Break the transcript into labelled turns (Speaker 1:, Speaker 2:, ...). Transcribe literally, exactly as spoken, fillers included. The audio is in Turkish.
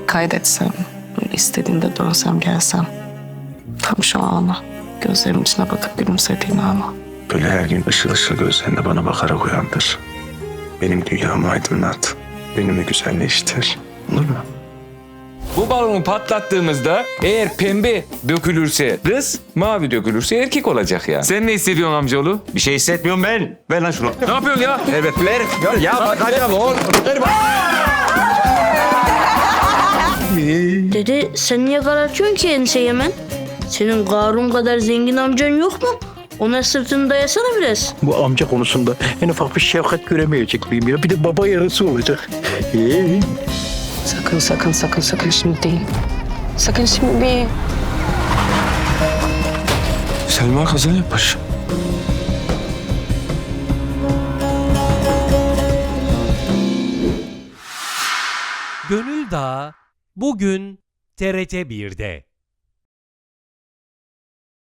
Speaker 1: kaydetsem, böyle istediğinde dönsem gelsem. Tam şu ana, gözlerimin içine bakıp gülümsediğim ana.
Speaker 2: Böyle her gün ışıl ışıl gözlerinde bana bakarak uyandır. Benim dünyamı aydınlat. Önümü güzelleştir. Olur mu?
Speaker 3: Bu balonu patlattığımızda eğer pembe dökülürse kız, mavi dökülürse erkek olacak ya. Sen ne hissediyorsun amcaoğlu?
Speaker 4: Bir şey hissetmiyorum ben. Ver lan şunu.
Speaker 3: Ne yapıyorsun ya?
Speaker 4: Evet ver. Ya, ya bakacağım oğlum. Ver bak.
Speaker 5: Dede sen niye karartıyorsun ki enseyi hemen? Senin Karun kadar zengin amcan yok mu? Ona sırtını dayasana biraz.
Speaker 6: Bu amca konusunda en ufak bir şefkat göremeyecek miyim ya? Bir de baba yarısı olacak. Ee?
Speaker 1: Sakın sakın sakın sakın şimdi değil. Sakın şimdi değil.
Speaker 2: Selma kaza yapmış.
Speaker 7: Gönül Dağı bugün T R T bir'de.